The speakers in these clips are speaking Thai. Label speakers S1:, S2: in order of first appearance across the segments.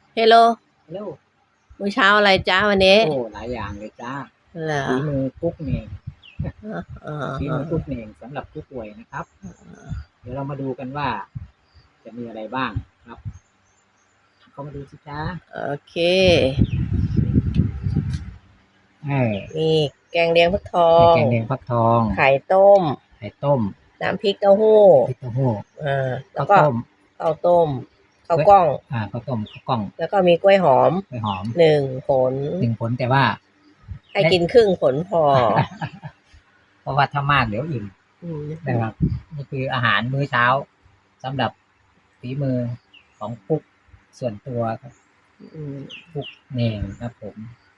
S1: เฮลโล
S2: เร็ว
S1: มื้อเช้าอะไรจ้าวันนี้
S2: โอ้หลายอย่างเลยจ้า
S1: เหรอ
S2: ฝีมือกุ๊กเองฝีมือกุ๊ก
S1: อ
S2: เองสำหรับผู้ป่วยนะครับเดี๋ยวเรามาดูกันว่าจะมีอะไรบ้างครับเข้ามาดูสิจ้า
S1: โอเค
S2: เออ
S1: มีแกงเลียงฟักทอ
S2: มี
S1: ง
S2: แกงเลียงฟักทอง
S1: ไข่ต้ม
S2: ไข่ต้ม
S1: น้ำพริกเต้าหู้
S2: พริกเต้าหู้
S1: แล้วก็
S2: ข้าวต้ม
S1: ข้าวต้มข้าวกล้อง
S2: ข้าวต้มข้าวกล้อง
S1: แล้วก็มีกล้วยหอม1 ผล
S2: แต่ว่า
S1: ให้กินครึ่งผลพอ
S2: เพราะว่าถ้ามากเดี๋ยวอิ่มนะครับนี่คืออาหารมื้อเช้าสำหรับฝีมือของกุ๊กส่วนตัวครับกุ๊กเองครับผม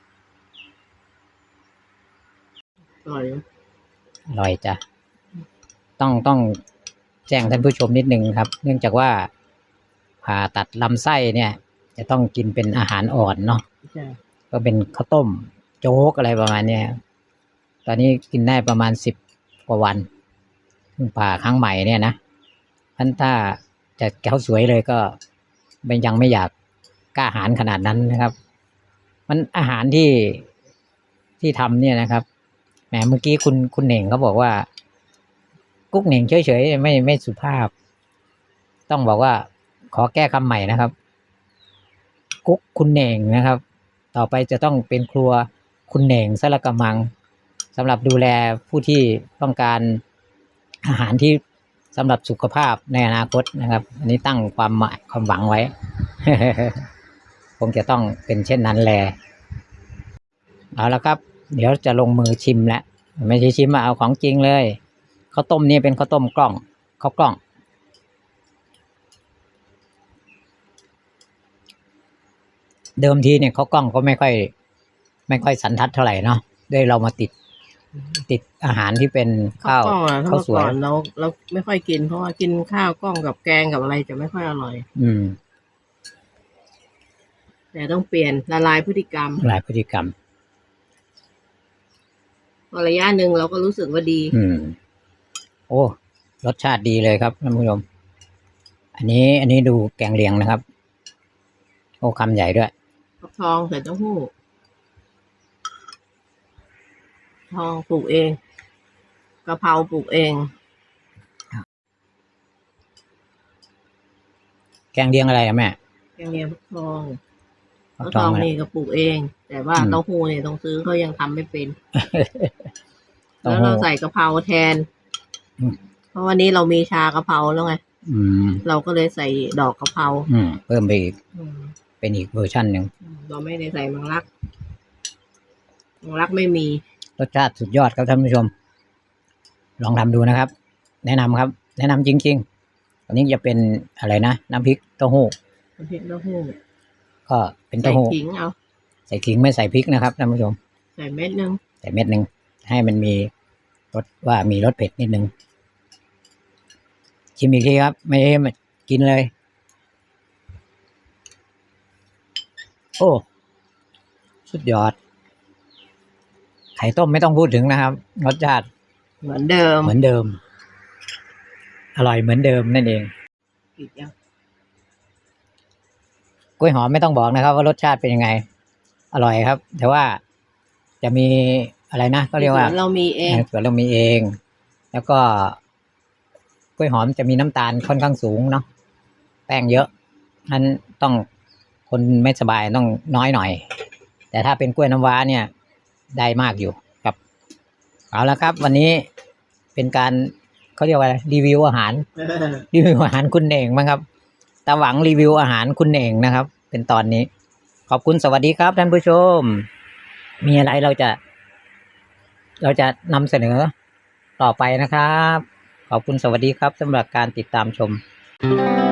S1: อร่อย
S2: อร่อยจ้ะต้องแจ้งท่านผู้ชมนิดนึงครับเนื่องจากว่าผ่าตัดลำไส้เนี่ยจะต้องกินเป็นอาหารอ่อนเนาะก็เป็นข้าวต้มโจ๊กอะไรประมาณนี้ตอนนี้กินได้ประมาณ10 กว่าวันเพิ่งผ่าครั้งใหม่เนี่ยนะท่านถ้าจะแก้วสวยเลยก็ยังไม่อยากกล้าหาญขนาดนั้นนะครับมันอาหารที่ทำเนี่ยนะครับแหมเมื่อกี้คุณเหน่งเขาบอกว่ากุ๊กเหน่งเฉยๆไม่สุภาพต้องบอกว่าขอแก้คำใหม่นะครับกุ๊กคุณเหน่งนะครับต่อไปจะต้องเป็นครัวคุณเหน่งซะละกะมังสำหรับดูแลผู้ที่ต้องการอาหารที่สำหรับสุขภาพในอนาคตนะครับอันนี้ตั้งความหวังไว้ คงจะต้องเป็นเช่นนั้นแหละเอาละครับเดี๋ยวจะลงมือชิมแล้วไม่ใช่ชิมเอาของจริงเลยข้าวต้มนี่เป็นข้าวต้มกล้องข้าวกล้องเดิมทีเนี่ยข้าวกล้องก็ไม่ค่อยสันทัดเท่าไหร่เนาะด้วยเรามาติดอาหารที่เป็นข้าวสวย
S1: เราไม่ค่อยกินเพราะว่ากินข้าวกล้องกับแกงกับอะไรจะไม่ค่อยอร่อยแต่ต้องเปลี่ยนละลายพฤติกรรมพอระยะหนึ่งเราก็รู้สึกว่าดี
S2: โอ้รสชาติดีเลยครับท่านผู้ชมอันนี้ดูแกงเลียงนะครับโอ้คำใหญ่ด้วย
S1: ฟักทองใส่เต้าหู้ทองปลูกเองกะเพราปลูกเอง
S2: แกงเลียงอะไรอะแม่
S1: แกงเลียงฟักทองนี่ก็ปลูกเองแต่ว่าเต้าหู้เนี่ยต้องซื้อเขายังทำไม่เป็นแล้วเราใส่กะเพราแทนเพราะวันนี้เรามีชากะเพราแล้วไงเราก็เลยใส่ดอกกะเพรา
S2: เพิ่มไปอีกเป็นอีกเวอร์ชันหนึ่ง
S1: เราไม่ได้ใส่มังลักไม่มี
S2: รสชาติสุดยอดครับท่านผู้ชมลองทำดูนะครับแนะนำครับแนะนำจริงๆอันนี้จะเป็นอะไรนะน้ำพริกเต้าหู้ก็เป็นเต้าหู้ใส่ขิงไม่ใส่พริกนะครับท่านผู้ชม
S1: ใส่เม็ดนึง
S2: ให้มันมีรสมีรสเผ็ดนิดนึงชิมอีกทีครับไม่ได้กินเลยโอ้สุดยอดไข่ต้มไม่ต้องพูดถึงนะครับรสชาติ
S1: เหมือนเดิม
S2: อร่อยเหมือนเดิมนั่นเองกล้วยหอมไม่ต้องบอกนะครับว่ารสชาติเป็นยังไงอร่อยครับแต่ว่าจะมีอะไรนะก็เรียกว่า
S1: เรามีเอง
S2: แล้วก็กล้วยหอมจะมีน้ำตาลค่อนข้างสูงเนาะแป้งเยอะนั้นต้องคนไม่สบายต้องน้อยหน่อยแต่ถ้าเป็นกล้วยน้ำว้าเนี่ยได้มากอยู่ครับเอาละครับวันนี้เป็นการเขาเรียกว่ารีวิวอาหารคุณเองมั้งครับตาหวังรีวิวอาหารคุณเองนะครับเป็นตอนนี้ขอบคุณสวัสดีครับท่านผู้ชมมีอะไรเราจะนำเสนอต่อไปนะครับขอบคุณสวัสดีครับสำหรับการติดตามชม